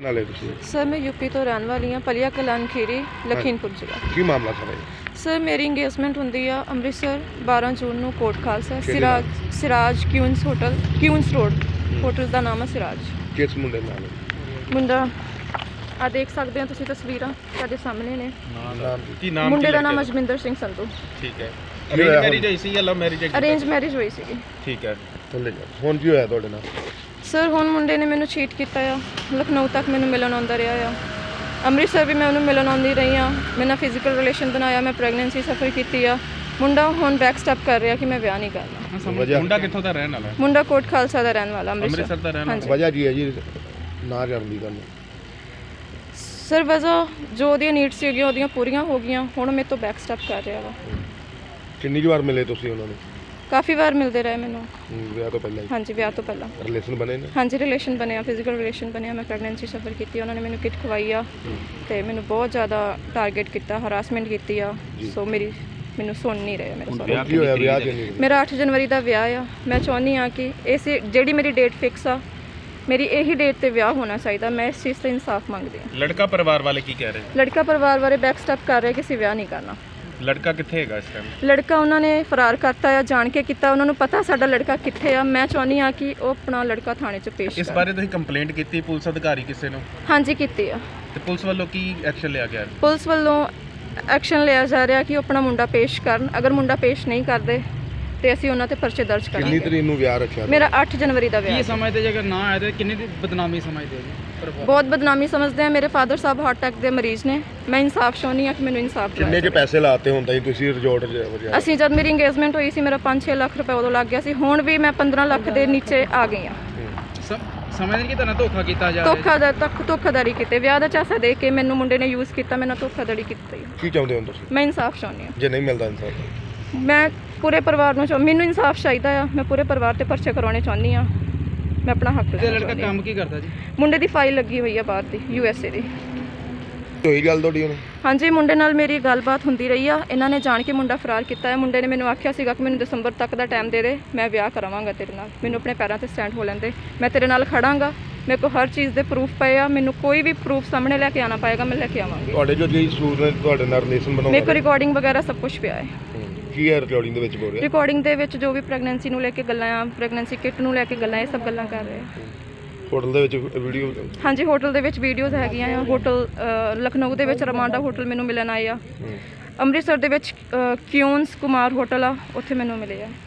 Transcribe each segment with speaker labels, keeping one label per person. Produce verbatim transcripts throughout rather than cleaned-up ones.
Speaker 1: नाले तुसीं?
Speaker 2: सर मैं यूपी तो रहने वाली हाँ, पलिया कलान खीरी लखीमपुर जिला।
Speaker 1: की मामला सारा ये?
Speaker 2: सर मेरी इंगेजमेंट होंदी आ अमृतसर बारह जून ਨੂੰ ਕੋਟ ਖਾਲਸਾ
Speaker 1: ਕਿਹੜੇ
Speaker 2: Siraj Siraj Queens hotel Queens road hotel ਦਾ ਨਾਮ ਹੈ ਸਿਰਾਜ।
Speaker 1: किस मुंडे नाल?
Speaker 2: ਮੁੰਡਾ ਆ ਦੇਖ ਸਕਦੇ ਹੋ ਤੁਸੀਂ ਤਸਵੀਰਾਂ ਤੁਹਾਡੇ ਸਾਹਮਣੇ ਨੇ।
Speaker 1: नाम
Speaker 3: ਕੀ ਨਾਮ
Speaker 2: ਮੁੰਡੇ ਦਾ
Speaker 3: ਕੀ
Speaker 2: ਨਾਮ
Speaker 3: ਲੱਗਿਆ?
Speaker 2: ਅਜਮਿੰਦਰ ਸਿੰਘ ਸੰਧੂ।
Speaker 3: ਠੀਕ ਹੈ।
Speaker 1: ਕੀ ਹੋਇਆ
Speaker 3: ਅਰੇਂਜ
Speaker 1: ਹੁਣ?
Speaker 3: ਮੈਰਿਜ ਹੋਈ ਸੀ ਜਾਂ ਲਵ ਮੈਰਿਜ ਹੈ?
Speaker 2: ਅਰੇਂਜ ਮੈਰਿਜ ਹੋਈ ਸੀਗੀ।
Speaker 3: ਠੀਕ ਹੈ।
Speaker 1: थल्ले जा। हुण की होया तुहाडे नाल?
Speaker 2: ਸਰ ਹੁਣ ਮੁੰਡੇ ਨੇ ਮੈਨੂੰ ਚੀਟ ਕੀਤਾ ਆ, ਲਖਨਊ ਤੱਕ ਮੈਨੂੰ ਮਿਲਣ ਆਉਂਦਾ ਰਿਹਾ ਆ, ਅੰਮ੍ਰਿਤਸਰ ਵੀ ਮੈਂ ਉਹਨੂੰ ਮਿਲਣ ਆਉਂਦੀ ਰਹੀ ਹਾਂ, ਮੇਰੇ ਨਾਲ ਫਿਜ਼ੀਕਲ ਰਿਲੇਸ਼ਨ ਬਣਾਇਆ, ਮੈਂ ਪ੍ਰੈਗਨੈਂਸੀ ਸਫਰ ਕੀਤੀ ਆ। ਮੁੰਡਾ ਹੁਣ ਬੈਕ ਸਟੈਪ ਕਰ ਰਿਹਾ ਕਿ ਮੈਂ ਵਿਆਹ ਨਹੀਂ ਕਰਨਾ।
Speaker 3: ਮੁੰਡਾ ਕਿੱਥੋਂ ਦਾ ਰਹਿਣ ਵਾਲਾ ਹੈ?
Speaker 2: ਮੁੰਡਾ ਕੋਟ ਖਾਲਸਾ ਦਾ ਰਹਿਣ ਵਾਲਾ
Speaker 3: ਅੰਮ੍ਰਿਤਸਰ ਦਾ ਰਹਿਣ ਵਾਲਾ।
Speaker 1: वजह की है जी ना करन दी गल?
Speaker 2: ਸਰ ਵਜ੍ਹਾ ਜੋ ਉਹਦੀਆਂ ਨੀਡਸ ਸੀਗੀਆਂ ਉਹਦੀਆਂ ਪੂਰੀਆਂ ਹੋ ਗਈਆਂ, ਹੁਣ ਮੇਰੇ ਤੋਂ ਬੈਕ ਸਟੈਪ ਕਰ ਰਿਹਾ ਵਾ।
Speaker 1: किन्नी की बार मिले तुसीं उन्हां नूं?
Speaker 2: ਕਾਫੀ ਵਾਰ ਮਿਲਦੇ ਰਹੇ ਮੈਨੂੰ।
Speaker 1: विआह तो पहले
Speaker 2: ਹਾਂਜੀ ਵਿਆਹ ਤੋਂ ਪਹਿਲਾਂ
Speaker 1: रिलेशन बने ने?
Speaker 2: ਹਾਂਜੀ ਰਿਲੇਸ਼ਨ ਬਣਿਆ, ਫਿਜ਼ੀਕਲ ਰਿਲੇਸ਼ਨ ਬਣਿਆ, ਮੈਂ ਪ੍ਰੈਗਨੈਂਸੀ ਸਫਰ ਕੀਤੀ, ਉਹਨਾਂ ਨੇ ਮੈਨੂੰ ਕਿਟ ਖਵਾਈ ਆ ਤੇ ਮੈਨੂੰ ਬਹੁਤ ਜ਼ਿਆਦਾ ਟਾਰਗੇਟ ਕੀਤਾ, ਹਰਾਸਮੈਂਟ ਕੀਤੀ ਆ। ਸੋ ਮੇਰੀ ਮੈਨੂੰ ਸੁਣ ਨਹੀਂ ਰਹੇ ਮੇਰੇ ਸਾਰੇ।
Speaker 1: की होया विआह किन्नी?
Speaker 2: ਮੇਰਾ ਅੱਠ ਜਨਵਰੀ ਦਾ ਵਿਆਹ ਆ। ਮੈਂ ਚਾਹੁੰਦੀ ਹਾਂ ਕਿ ਇਸ ਜਿਹੜੀ ਮੇਰੀ ਡੇਟ ਫਿਕਸ ਆ, ਮੇਰੀ ਇਹੀ ਡੇਟ ਤੇ ਵਿਆਹ ਹੋਣਾ ਚਾਹੀਦਾ। ਮੈਂ ਇਸ ਚੀਜ਼ ਤੇ ਇਨਸਾਫ ਮੰਗਦੀ ਹਾਂ।
Speaker 3: ਲੜਕਾ ਪਰਿਵਾਰ ਵਾਲੇ ਕੀ ਕਹਿ ਰਹੇ?
Speaker 2: ਲੜਕਾ ਪਰਿਵਾਰ ਬਾਰੇ ਬੈਕ ਸਟੈਪ ਕਰ ਰਿਹਾ ਕਿ ਅਸੀਂ ਵਿਆਹ ਨਹੀਂ ਕਰਨਾ।
Speaker 3: ਲੜਕਾ ਕਿੱਥੇ ਹੈਗਾ ਇਸ ਟਾਈਮ?
Speaker 2: ਲੜਕਾ ਉਹਨਾਂ ਨੇ ਫਰਾਰ ਕਰਤਾ ਆ, ਜਾਣ ਕੇ ਕੀਤਾ, ਉਹਨਾਂ ਨੂੰ ਪਤਾ ਸਾਡਾ ਲੜਕਾ ਕਿੱਥੇ ਆ। ਮੈਂ ਚਾਹੁੰਦੀ ਹਾਂ ਕਿ ਉਹ ਆਪਣਾ ਲੜਕਾ ਥਾਣੇ 'ਚ ਪੇਸ਼
Speaker 3: ਇਸ
Speaker 2: ਕਰੇ।
Speaker 3: ਬਾਰੇ ਤੁਸੀਂ ਕੰਪਲੇਂਟ ਕੀਤੀ ਪੁਲਿਸ ਅਧਿਕਾਰੀ ਕਿਸੇ ਨੂੰ?
Speaker 2: ਹਾਂਜੀ ਕੀਤੀ ਆ।
Speaker 3: ਤੇ ਪੁਲਿਸ ਵੱਲੋਂ ਕੀ ਐਕਸ਼ਨ ਲਿਆ ਗਿਆ?
Speaker 2: ਪੁਲਿਸ ਵੱਲੋਂ ਐਕਸ਼ਨ ਲਿਆ ਜਾ ਰਿਹਾ ਕਿ ਉਹ ਆਪਣਾ ਮੁੰਡਾ ਪੇਸ਼ ਕਰਨ। ਅਗਰ ਮੁੰਡਾ ਪੇਸ਼ ਨਹੀਂ ਕਰਦੇ ਤੇ ਅਸੀਂ ਉਹਨਾਂ ਤੇ ਪਰਚੇ ਦਰਜ
Speaker 1: किन्नी
Speaker 2: ਕਰਾਂਗੇ।
Speaker 1: तरीक नूं विआह रखिया?
Speaker 2: ਮੇਰਾ ਅੱਠ ਜਨਵਰੀ ਦਾ ਵਿਆਹ।
Speaker 4: ਕੀ ਸਮਝਦੇ ਜੇ ਅਗਰ ਨਾ ਆਏ ਤਾਂ ਕਿੰਨੀ ਦੀ ਬਦਨਾਮੀ ਸਮਝਦੇ ਜੀ?
Speaker 2: ਬਹੁਤ ਬਦਨਾਮੀ ਸਮਝਦੇ ਆ। ਮੇਰੇ ਫਾਦਰ ਸਾਹਿਬ ਹਾਰਟ ਅਟੈਕ ਦੇ ਮਰੀਜ਼ ਨੇ। ਮੈਂ ਇਨਸਾਫ ਚਾਹੁੰਦੀ ਹਾਂ ਕਿ ਮੈਨੂੰ ਇਨਸਾਫ
Speaker 1: किन्ने
Speaker 2: ਦਿਵਾਇਆ
Speaker 1: च पैसे लाते हुंदा जी तुसीं रिजॉर्ट च वजह?
Speaker 2: ਅਸੀਂ ਜਦ ਮੇਰੀ ਇੰਗੇਜਮੈਂਟ ਹੋਈ ਸੀ ਮੇਰਾ ਪੰਜ ਛੇ ਲੱਖ ਰੁਪਏ ਉਦੋਂ ਲੱਗ ਗਿਆ ਸੀ। ਹੁਣ ਵੀ ਮੈਂ ਪੰਦਰਾਂ ਲੱਖ ਦੇ ਨੀਚੇ ਆ ਗਈ ਹਾਂ।
Speaker 4: ਸਮਝਦੇ ਕਿ ਤੁਹਾਨੂੰ ਧੋਖਾ ਕੀਤਾ ਜਾ ਰਿਹਾ?
Speaker 2: ਧੋਖਾ ਦਾ ਤੱਕ ਧੋਖਾਦਾਰੀ ਕੀਤੇ, ਵਿਆਹ ਦਾ ਝਾਂਸਾ ਦੇ ਕੇ ਮੈਨੂੰ ਮੁੰਡੇ ਨੇ ਯੂਜ਼ ਕੀਤਾ, ਮੈਨੂੰ ਧੋਖਾਧੜੀ ਕੀਤੀ।
Speaker 1: की चाहुंदे हो तुसीं?
Speaker 2: ਮੈਂ ਇਨਸਾਫ ਚਾਹੁੰਦੀ ਹਾਂ।
Speaker 1: जे नहीं मिलदा इंसाफ?
Speaker 2: ਮੈਂ ਪੂਰੇ ਪਰਿਵਾਰ ਨੂੰ ਚਾਹ ਮੈਨੂੰ ਇਨਸਾਫ ਚਾਹੀਦਾ ਆ। ਮੈਂ ਪੂਰੇ ਪਰਿਵਾਰ ਤੇ ਪਰਚੇ ਕਰਾਉਣੇ ਚਾਹੁੰਦੀ ਹਾਂ। ਮੈਂ ਆਪਣਾ ਹੱਕ
Speaker 4: ਤੇ
Speaker 2: ਲੈਣਾ
Speaker 4: ਲੜਕਾ
Speaker 2: ਚਾਹੁੰਦੀ ਹਾਂ।
Speaker 4: ਕੰਮ ਕੀ ਕਰਦਾ ਜੀ?
Speaker 2: ਮੁੰਡੇ ਦੀ ਫਾਈਲ ਲੱਗੀ ਹੋਈ ਆ ਬਾਹਰ ਦੀ, ਯੂ ਐਸ ਏ ਦੀ।
Speaker 1: ਹੋਈ ਗੱਲ ਤੁਹਾਡੀ ਹੁਣ?
Speaker 2: ਹਾਂਜੀ ਮੁੰਡੇ ਨਾਲ ਮੇਰੀ ਗੱਲਬਾਤ ਹੁੰਦੀ ਰਹੀ ਆ। ਇਹਨਾਂ ਨੇ ਜਾਣ ਕੇ ਮੁੰਡਾ ਫਰਾਰ ਕੀਤਾ ਹੈ। ਮੁੰਡੇ ਨੇ ਮੈਨੂੰ ਆਖਿਆ ਸੀਗਾ ਕਿ ਮੈਨੂੰ ਦਸੰਬਰ ਤੱਕ ਦਾ ਟਾਈਮ ਦੇ ਦੇ, ਮੈਂ ਵਿਆਹ ਕਰਾਵਾਂਗਾ ਤੇਰੇ ਨਾਲ, ਮੈਨੂੰ ਆਪਣੇ ਪੈਰਾਂ ਤੇ ਸਟੈਂਡ ਹੋ ਲੈਂਦੇ, ਮੈਂ ਤੇਰੇ ਨਾਲ ਖੜਾਂਗਾ। ਮੇਰੇ ਕੋਲ ਹਰ ਚੀਜ਼ ਦੇ ਪ੍ਰੂਫ ਪਏ ਆ, ਮੈਨੂੰ ਕੋਈ ਵੀ ਪ੍ਰੂਫ ਸਾਹਮਣੇ ਲੈ ਕੇ ਆਉਣਾ ਪਏਗਾ, ਮੈਂ ਲੈ ਕੇ ਆਵਾਂਗੀ।
Speaker 1: ਤੁਹਾਡੇ ਜੋ ਜੀ ਸੂਰ ਨੇ ਤੁਹਾਡੇ ਨਾਲ ਰਿਲੇਸ਼ਨ
Speaker 2: ਮੇਰੇ ਕੋਲ
Speaker 1: ਬਣਾਉਂਦਾ
Speaker 2: ਰਿਕਾਰਡਿੰਗ ਵਗੈਰਾ ਸਭ ਕੁਝ ਪਿਆ ਹੈ।
Speaker 1: ਕੀ ਹੈ ਰਿਕਾਰਡਿੰਗ ਦੇ ਵਿੱਚ ਬੋਲ ਰਿਹਾ?
Speaker 2: ਰਿਕਾਰਡਿੰਗ ਦੇ ਵਿੱਚ ਜੋ ਵੀ ਪ੍ਰੈਗਨੈਂਸੀ ਨੂੰ ਲੈ ਕੇ ਗੱਲਾਂ ਆ, ਪ੍ਰੈਗਨੈਂਸੀ ਕਿਟ ਨੂੰ ਲੈ ਕੇ ਗੱਲਾਂ, ਇਹ ਸਭ ਗੱਲਾਂ ਕਰ ਰਹੇ ਆ।
Speaker 1: ਹੋਟਲ ਦੇ ਵਿੱਚ ਵੀਡੀਓ?
Speaker 2: ਹਾਂਜੀ ਹੋਟਲ ਦੇ ਵਿੱਚ ਵੀਡੀਓਜ਼ ਹੈਗੀਆਂ ਆ। ਹੋਟਲ ਅ, ਲਖਨਊ ਦੇ ਵਿੱਚ ਰਮਾਂਡਾ ਹੋਟਲ ਮੈਨੂੰ ਮਿਲਣ ਆਏ ਆ। ਅੰਮ੍ਰਿਤਸਰ ਦੇ ਵਿੱਚ ਅ, ਕਿਊਨਸ ਕੁਮਾਰ ਹੋਟਲ ਆ, ਉੱਥੇ ਮੈਨੂੰ ਮਿਲੇ ਆ।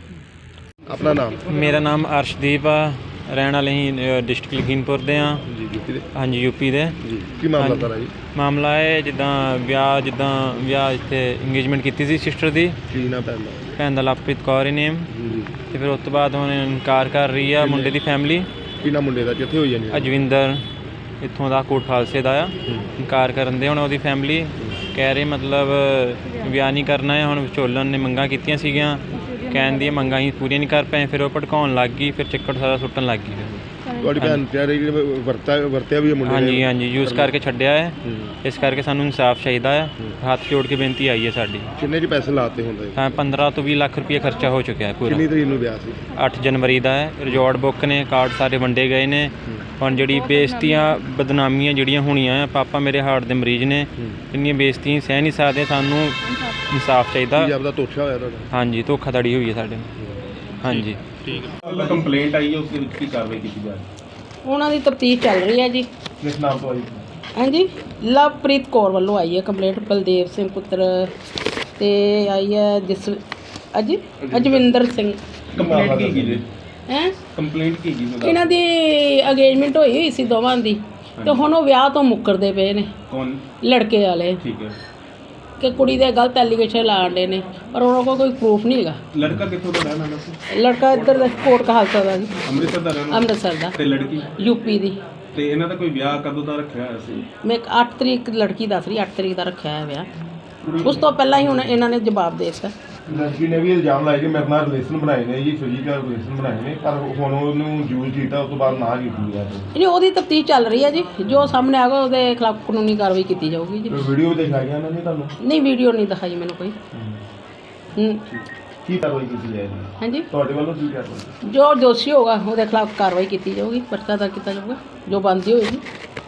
Speaker 1: ਆਪਣਾ ਨਾਮ?
Speaker 5: ਮੇਰਾ ਨਾਮ ਅਰਸ਼ਦੀਪ ਆ, ਰਹਿਣ ਵਾਲੇ ਹੀ ਡਿਸਟ੍ਰਿਕਟ ਲਖੀਮਪੁਰ ਦੇ ਆ।
Speaker 1: ਜੀ ਯੂਪੀ ਦੇ?
Speaker 5: ਹਾਂਜੀ ਯੂਪੀ ਦੇ।
Speaker 1: ਜੀ ਕੀ ਮਾਮਲਾ ਸਾਰਾ ਜੀ?
Speaker 5: ਮਾਮਲਾ ਹੈ ਜਿੱਦਾਂ ਵਿਆਹ ਜਿੱਦਾਂ ਵਿਆਹ ਇੱਥੇ ਇੰਗੇਜਮੈਂਟ ਕੀਤੀ ਸੀ ਸਿਸਟਰ ਦੀ,
Speaker 1: ਕੀ ਨਾ ਪੈਂਦਾ?
Speaker 5: ਭੈਣ ਦਾ ਲਵਪ੍ਰੀਤ ਕੌਰ ਹੀ ਨੇਮ।
Speaker 1: ਜੀ
Speaker 5: ਤੇ ਫਿਰ ਉਸ ਤੋਂ ਬਾਅਦ ਹੁਣ ਇਨਕਾਰ ਕਰ ਰਹੀ ਆ ਮੁੰਡੇ ਦੀ ਫੈਮਿਲੀ।
Speaker 1: ਕੀ ਨਾ ਮੁੰਡੇ ਦਾ ਕਿੱਥੇ ਹੋਈ ਜਾਨੀ?
Speaker 5: ਅਜਵਿੰਦਰ ਇੱਥੋਂ ਦਾ ਕੋਟ ਖਾਲਸੇ ਦਾ ਆ। ਇਨਕਾਰ ਕਰਨ ਦੇ ਹੁਣ ਉਹਦੀ ਫੈਮਿਲੀ ਕਹਿ ਰਹੀ ਮਤਲਬ ਵਿਆਹ ਨਹੀਂ ਕਰਨਾ ਹੈ। ਹੁਣ ਵਿਚੋਲਨ ਨੇ ਮੰਗਾਂ ਕੀਤੀਆਂ ਸੀਗੀਆਂ, ਕਹਿਣ ਦੀਆਂ ਮੰਗਾਂ ਹੀ ਪੂਰੀਆਂ ਨਹੀਂ ਕਰ ਪਏ, ਫਿਰ ਉਹ ਭੜਕਾਉਣ ਲੱਗ ਗਈ, ਫਿਰ ਚੱਕਰ ਸਾਰਾ ਸੁੱਟਣ ਲੱਗ ਗਈ। ਫਿਰ
Speaker 1: ਤੁਹਾਡੀ ਭੈਣ ਕਹਿ ਰਹੀ ਕਿ ਵਰਤਾ ਵਰਤਿਆ ਵੀ ਹੈ ਮੁੰਡੇ ਨੇ?
Speaker 5: ਹਾਂਜੀ ਹਾਂਜੀ ਯੂਜ਼ ਕਰਕੇ ਛੱਡਿਆ ਹੈ। ਇਸ ਕਰਕੇ ਸਾਨੂੰ ਇਨਸਾਫ ਚਾਹੀਦਾ ਹੈ। ਹੱਥ ਜੋੜ ਕੇ ਬੇਨਤੀ ਆਈ ਹੈ ਸਾਡੀ।
Speaker 1: ਕਿੰਨੇ ਚ ਪੈਸੇ ਲਾਤੇ ਹੁੰਦੇ?
Speaker 5: ਤਾਂ ਪੰਦਰਾਂ ਤੋਂ ਵੀਹ ਲੱਖ ਰੁਪਏ ਖਰਚਾ ਹੋ ਚੁੱਕਿਆ ਹੈ ਪੂਰਾ।
Speaker 1: ਕਿੰਨੀ ਤਰੀਕ ਨੂੰ ਵਿਆਹ ਸੀ?
Speaker 5: ਅੱਠ ਜਨਵਰੀ ਦਾ ਹੈ। ਰਿਜ਼ੋਰਟ ਬੁੱਕ ਨੇ, ਕਾਰਡ ਸਾਰੇ ਵੰਡੇ ਗਏ ਨੇ। ਹੁਣ ਜਿਹੜੀ ਬੇਇੱਜ਼ਤੀਆਂ ਬਦਨਾਮੀਆਂ ਜਿਹੜੀਆਂ ਹੋਣੀਆਂ ਆ, ਪਾਪਾ ਮੇਰੇ ਹਾਰਟ ਦੇ ਮਰੀਜ਼ ਨੇ, ਇੰਨੀਆਂ ਬੇਇੱਜ਼ਤੀਆਂ ਸਹਿ ਨਹੀਂ ਸਕਦੇ। ਸਾਨੂੰ ਇਨਸਾਫ ਚਾਹੀਦਾ।
Speaker 1: ਕੀ ਆਪਦਾ ਧੋਖਾ ਹੋਇਆ ਤੁਹਾਡਾ?
Speaker 5: ਹਾਂਜੀ ਧੋਖਾਧੜੀ ਹੋਈ ਹੈ ਸਾਡੇ। ਹਾਂਜੀ
Speaker 3: ਠੀਕ ਹੈ। ਕੰਪਲੇਂਟ ਆਈ ਹੈ, ਉਸ ਦੇ ਵਿੱਚ ਕੀ ਕਾਰਵਾਈ ਕੀਤੀ ਜਾ ਰਹੀ ਹੈ?
Speaker 6: ਉਹਨਾਂ ਦੀ ਤਫਤੀਸ਼ ਚੱਲ ਰਹੀ ਹੈ ਜੀ।
Speaker 1: ਕਿਸ ਨਾਮ ਤੋਂ ਆਈ?
Speaker 6: ਹਾਂਜੀ ਲਵਪ੍ਰੀਤ ਕੌਰ ਵੱਲੋਂ ਆਈ ਹੈ ਕੰਪਲੇਂਟ। ਬਲਦੇਵ ਸਿੰਘ ਪੁੱਤਰ ਤੇ ਆਈ ਹੈ ਜਿਸ ਅਜੀ ਅਜਵਿੰਦਰ ਸਿੰਘ।
Speaker 3: ਕੰਪਲੇਂਟ ਕੀ ਕੀ ਜੀ?
Speaker 6: ਹੈ
Speaker 3: ਕੰਪਲੇਂਟ ਕੀ ਜੀ?
Speaker 6: ਇਹਨਾਂ ਦੀ ਅਗੇਜਮੈਂਟ ਹੋਈ ਹੋਈ ਸੀ ਦੋਵਾਂ ਦੀ, ਤੇ ਹੁਣ ਉਹ ਵਿਆਹ ਤੋਂ ਮੁੱਕਰਦੇ ਪਏ ਨੇ
Speaker 3: ਕੌਣ?
Speaker 6: ਲੜਕੇ ਵਾਲੇ,
Speaker 3: ਠੀਕ ਹੈ।
Speaker 6: ਕਿ ਕੁੜੀ ਦੇ ਗਲਤ ਐਲੀਗੇਸ਼ਨ ਲਾਉਂਦੇ ਨੇ, ਪਰ ਉਹਨਾਂ ਕੋਲ ਕੋਈ ਪ੍ਰੂਫ ਨਹੀਂ ਹੈਗਾ।
Speaker 3: ਲੜਕਾ ਕਿੱਥੋਂ ਦਾ ਰਹਿਣ ਵਾਲਾ ਸੀ?
Speaker 6: ਲੜਕਾ ਇੱਧਰ ਦਾ ਕੋਟ ਕਹਾਲਸਾ ਦਾ ਜੀ,
Speaker 3: ਅੰਮ੍ਰਿਤਸਰ ਦਾ ਰਹਿਣ ਵਾਲਾ?
Speaker 6: ਅੰਮ੍ਰਿਤਸਰ ਦਾ।
Speaker 3: ਤੇ ਲੜਕੀ?
Speaker 6: ਯੂਪੀ ਦੀ।
Speaker 3: ਤੇ ਇਹਨਾਂ ਦਾ ਕੋਈ ਵਿਆਹ ਕਦੋਂ ਦਾ ਰੱਖਿਆ ਹੋਇਆ ਸੀ?
Speaker 6: ਮੈਂ ਅੱਠ ਤਰੀਕ ਲੜਕੀ ਦੱਸ ਰਹੀ, ਅੱਠ ਤਰੀਕ ਦਾ ਰੱਖਿਆ ਹੈ ਵਿਆਹ। ਉਸ ਤੋਂ ਪਹਿਲਾਂ ਹੀ ਹੁਣ ਇਹਨਾਂ ਨੇ ਜਵਾਬ ਦੇ ਦਿੱਤਾ।
Speaker 1: ਲੜਕੀ ਨੇ ਵੀ ਇਲਜ਼ਾਮ ਲਾਇਆ ਕਿ ਮੇਰੇ ਨਾਲ ਰਿਲੇਸ਼ਨ ਬਣਾਏ ਨੇ ਜੀ, ਫਿਜ਼ੀਕਲ ਰਿਲੇਸ਼ਨ ਬਣਾਏ ਨੇ, ਪਰ ਹੁਣ ਉਹਨੂੰ ਯੂਜ਼ ਕੀਤਾ, ਉਸ ਤੋਂ ਬਾਅਦ ਨਾ ਕੀਤੀ ਹੈ।
Speaker 6: ਨਹੀਂ ਉਹਦੀ ਤਫਤੀਸ਼ ਚੱਲ ਰਹੀ ਹੈ ਜੀ, ਜੋ ਸਾਹਮਣੇ ਆਗਾ ਉਹਦੇ ਖਿਲਾਫ ਕਾਨੂੰਨੀ ਕਾਰਵਾਈ ਕੀਤੀ ਜਾਊਗੀ ਜੀ।
Speaker 1: ਵੀਡੀਓ ਵੀ ਦਿਖਾਈਆਂ ਉਹਨਾਂ ਨੇ ਤੁਹਾਨੂੰ?
Speaker 6: ਨਹੀਂ ਵੀਡੀਓ ਨਹੀਂ ਦਿਖਾਈ ਮੈਨੂੰ ਕੋਈ। ਹੂੰ
Speaker 1: ਕੀ ਕਾਰਵਾਈ ਕੀਤੀ ਜਾਏਗੀ
Speaker 6: ਹਾਂਜੀ
Speaker 1: ਤੁਹਾਡੇ ਵੱਲੋਂ? ਕੀ ਕਾਰਵਾਈ?
Speaker 6: ਜੋ ਦੋਸ਼ੀ ਹੋਗਾ ਉਹਦੇ ਖਿਲਾਫ ਕਾਰਵਾਈ ਕੀਤੀ ਜਾਊਗੀ, ਪਰਚਾ ਦਰਜ ਕੀਤਾ ਜਾਊਗਾ, ਜੋ ਬਣਦੀ ਹੋਏਗੀ।